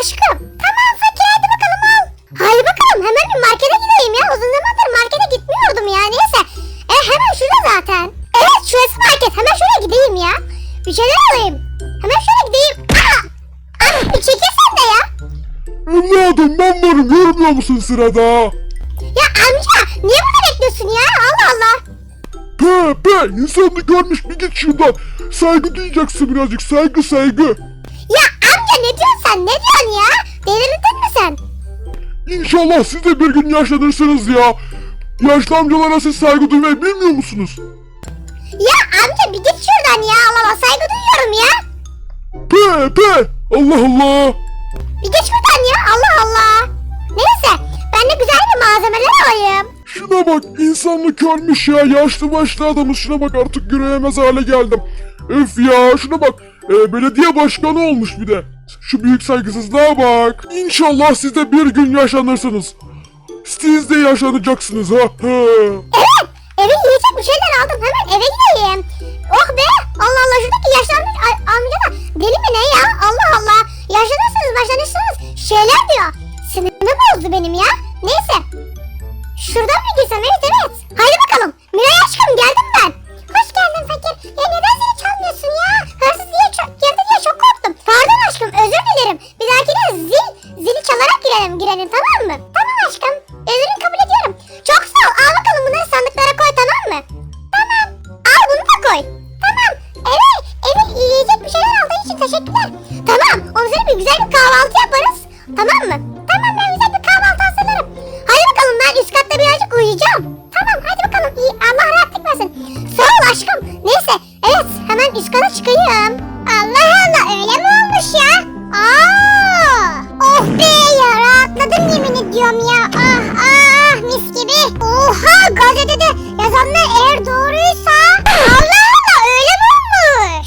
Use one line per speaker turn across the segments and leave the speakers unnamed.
aşkım. Tamam fakir hadi bakalım al. Haydi bakalım hemen bir markete gideyim ya. Uzun zamandır markete gitmiyordum ya. Neyse. Hemen şurada zaten. Evet şurası market. Hemen şuraya gideyim ya. Bir şeyler alayım. Hemen şuraya gideyim. Bir çekilsen de ya.
Evladım ben varım, görmüyor musun sırada?
Ya amca niye burada bekliyorsun ya? Allah Allah.
Pe insanını görmüş, bir git şuradan. Saygı duyacaksın, birazcık saygı.
Ya amca ne diyorsun sen? Ne diyorsun ya? Delirdin mi sen?
İnşallah siz de bir gün yaşlanırsınız ya. Yaşlı amcalara siz saygı duymayı bilmiyor musunuz?
Ya amca bir git şuradan ya. Allah Allah saygı duyuyorum ya.
Pe Allah Allah.
Bir geç buradan ya. Allah Allah. Neyse ben de güzel bir malzemeler alayım.
Şuna bak, insanlık ölmüş ya, yaşlı başlı adamız, şuna bak, artık yürüyemez hale geldim. Öf ya, şuna bak, belediye başkanı olmuş bir de. Şu büyük saygısızlığa bak. İnşallah siz de bir gün yaşlanırsınız. Siz de yaşlanacaksınız ha.
Evet eve yiyecek bir şeyler aldım. Hemen eve gideyim. Oh be. Allah Allah şuradaki yaşlanmış amca da deli mi ne ya? Allah Allah. Yaşlanırsınız. Şeyler diyor. Sinirimi bozdu benim ya. Neyse. Şuradan mı girsem? Evet. Haydi bakalım. Miray aşkım geldim ben. Hoş geldin fakir. Ya neden zili çalmıyorsun ya? Hırsız diye girdi diye çok korktum. Pardon aşkım özür dilerim. Bir dahakine zili çalarak girelim tamam mı? Tamam aşkım. Özürünü kabul ediyorum. Çok sağ ol. Al bakalım bunları sandıklara koy tamam mı? Tamam. Al bunu da koy. Tamam. Eve yiyecek bir şeyler aldığın için teşekkürler. Tamam. Onun üzerine bir güzel bir kahvaltı yaparız. Tamam mı? Tamam ben güzel bir kahvaltı hazırlarım. Hadi bakalım ben üst katta birazcık uyuyacağım. Tamam hadi bakalım iyi. Allah rahatlık versin. Sağ ol aşkım. Neyse. Evet hemen üst kata çıkayım. Allah Allah öyle mi olmuş ya? Oh be ya rahatladım yemin ediyorum ya. Mis gibi. Oha gazetede yazanlar eğer doğruysa. Allah Allah öyle mi olmuş?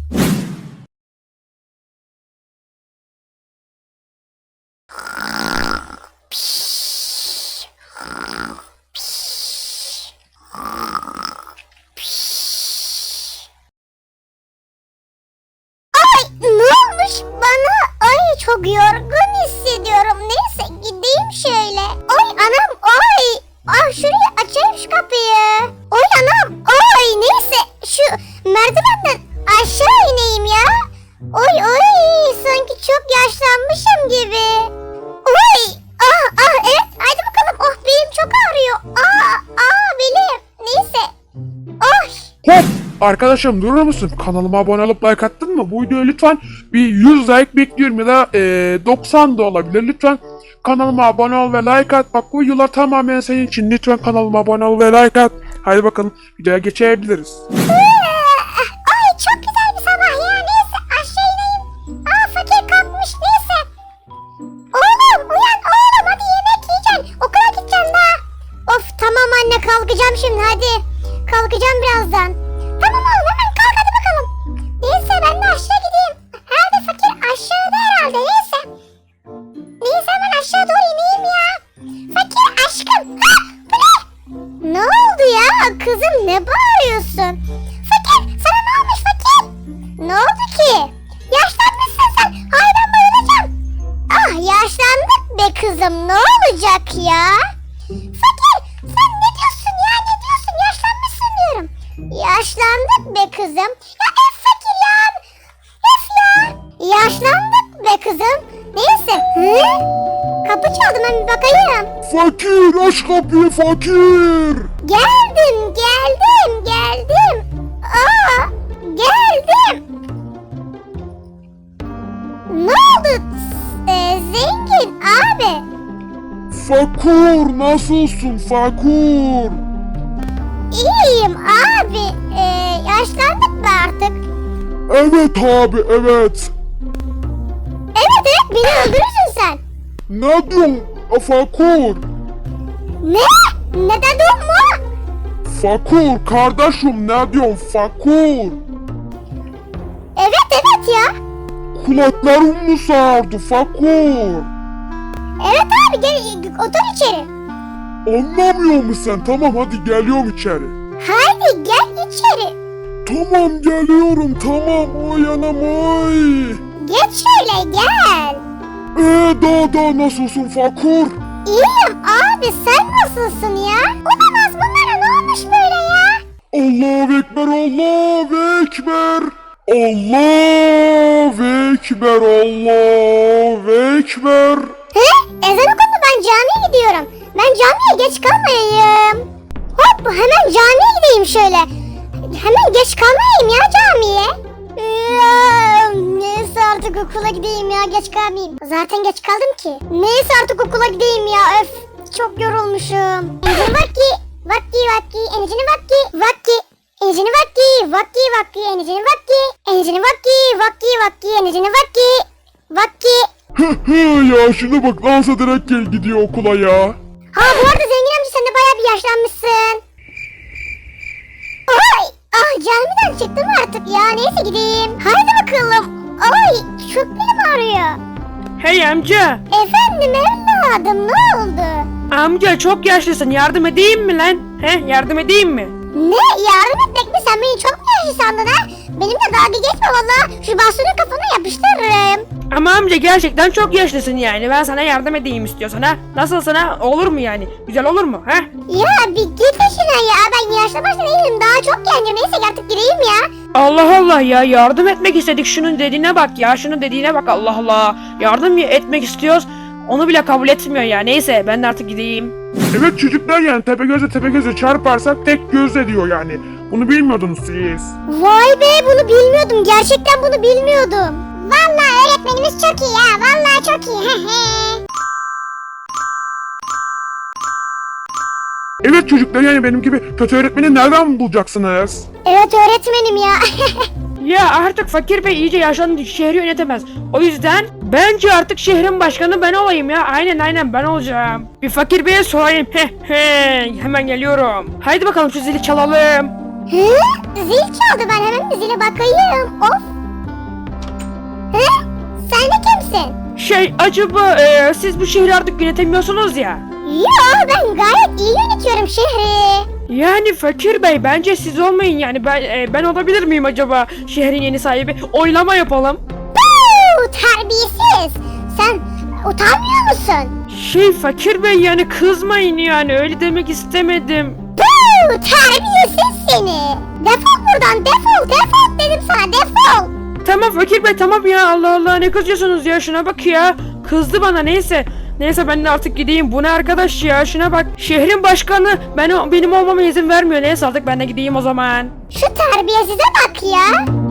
Ne olmuş bana? Ay çok yorgun hissediyorum. Neyse gideyim şöyle. Ay anam ay. Ah şurayı açayım şu kapıyı. Ay anam ay neyse şu merdivenden aşağı ineyim ya. Ay sanki çok yaşlanmışım gibi. Ay evet hadi bakalım. Oh belim çok ağrıyor. Belim. Neyse. Ay.
Hop! Arkadaşım durur musun? Kanalıma abone olup like attın mı? Bu videoya lütfen bir 100 like bekliyorum ya da 90 da olabilir. Lütfen kanalıma abone ol ve like at. Bak bu videolar tamamen senin için. Lütfen kanalıma abone ol ve like at. Haydi bakalım videoya geçebiliriz.
Ay çok güzel bir sabah ya. Neyse aşağı ineyim. Fakir kalkmış neyse. Oğlum uyan oğlum hadi yemek yiyeceksin. Okula gideceksin daha. Of tamam anne kalkacağım şimdi hadi. Kalkacağım birazdan. Tamam oğlum hemen kalk hadi bakalım. Neyse ben de aşağı gideyim. Herhalde fakir aşağıda herhalde neyse. Neyse hemen aşağı doğru ineyim ya. Fakir aşkım. Bu ne? Ne oldu ya kızım ne bağırıyorsun? Fakir sana ne olmuş fakir? Ne oldu ki? Yaşlanmışsın sen. Hay ben bayılacağım. Yaşlandık be kızım ne olacak ya? Fakir sen ne diyorsun ya ne diyorsun yaşlanmışsın diyorum. Yaşlandık be kızım. Ya fakir ya. Yaşlandık be kızım. Neyse. Kapı çaldı ben bir bakayım.
Fakir aç kapıyı fakir.
Geldim. Geldim. Ne oldu? Zengin abi.
Fakur nasılsın Fakur?
İyiyim abi. Yaşlandık mı artık?
Evet abi evet.
Evet beni öldürürsün sen.
Ne diyorsun Fakur?
Ne? Ne dedin mu?
Fakur kardeşim ne diyorsun Fakur?
Evet ya.
Kulaklarım mı sağırdı Fakur?
Evet abi gel otur içeri.
Anlamıyor musun sen? Tamam hadi geliyorum içeri.
Haydi gel içeri.
Tamam geliyorum tamam oy anam oy.
Geç şöyle gel.
Daha nasılsın Fakur?
İyiyim abi, sen nasılsın ya? Olamaz, bunlara ne olmuş böyle ya?
Allahu Ekber, Allahu Ekber. Allahu Ekber, Allahu Ekber.
He? Ezan okundu, ben camiye gidiyorum. Ben camiye geç kalmayayım. Hop, hemen camiye gideyim şöyle. Hemen geç kalmayayım ya camiye. Neyse artık okula gideyim ya, geç kalmayayım. Zaten geç kaldım ki. Neyse artık okula gideyim ya, öf. Çok yorulmuşum. Enicini vakti, enicini vakti. Enicini vakti, enicini vakti.
Ya şuna bak, dans ederek gidiyor okula ya.
Ha, bu arada zengin amca, sen de bayağı bir yaşlanmışsın. Ay, camiden çıktım artık ya, neyse gideyim. Haydi bakalım. Ay, çok belim ağrıyor.
Hey amca.
Efendim evladım, ne oldu?
Amca çok yaşlısın, yardım edeyim mi lan? Yardım edeyim mi?
Ne, yardım etmek mi? Sen beni çok mu yaşlı sandın ha? Benimle dalga geçme valla. Şu bastonu kafana yapıştırırım.
Ama amca gerçekten çok yaşlısın yani. Ben sana yardım edeyim istiyorsan ha. Nasılsın ha? Olur mu yani? Güzel olur mu ha?
Ya bir git işine ya. Ben yaşlı başlı değilim. Daha çok gencim. Neyse artık gireyim ya.
Allah Allah ya, yardım etmek istedik. Şunun dediğine bak ya. Şunun dediğine bak, Allah Allah. Yardım etmek istiyoruz. Onu bile kabul etmiyor ya. Neyse ben de artık gideyim.
Evet çocuklar, yani Tepegöz'e çarparsak tek göz ediyor yani. Bunu bilmiyordunuz siz.
Vay be, bunu bilmiyordum. Gerçekten bunu bilmiyordum. Vallahi öğretmenimiz çok iyi ya. Vallahi çok iyi.
Evet çocuklar, yani benim gibi kötü öğretmeni nereden bulacaksınız?
Evet öğretmenim ya.
Ya artık Fakir Bey iyice yaşlandı, şehri yönetemez. O yüzden bence artık şehrin başkanı ben olayım ya. Aynen ben olacağım. Bir Fakir Bey'e sorayım. Hemen geliyorum. Haydi bakalım şu zili çalalım.
Hı? Zil çaldı, ben hemen bir zile bakayım. Of. Hı? Sen de kimsin?
Acaba siz bu şehri artık yönetemiyorsunuz ya.
Yo, ben gayet iyi yönetiyorum şehri.
Yani Fakir Bey, bence siz olmayın yani. Ben olabilir miyim acaba şehrin yeni sahibi? Oylama yapalım.
Terbiyesiz. Sen utanmıyor musun?
Fakir Bey, yani kızmayın, yani öyle demek istemedim.
Terbiyesiz seni. Defol buradan, defol dedim sana, defol.
Tamam Fakir Bey, tamam ya, Allah Allah, ne kızıyorsunuz ya, şuna bak ya. Kızdı bana, neyse ben de artık gideyim. Bu ne arkadaş ya, şuna bak. Şehrin başkanı benim olmama izin vermiyor. Neyse artık ben de gideyim o zaman.
Şu terbiyesize bak ya.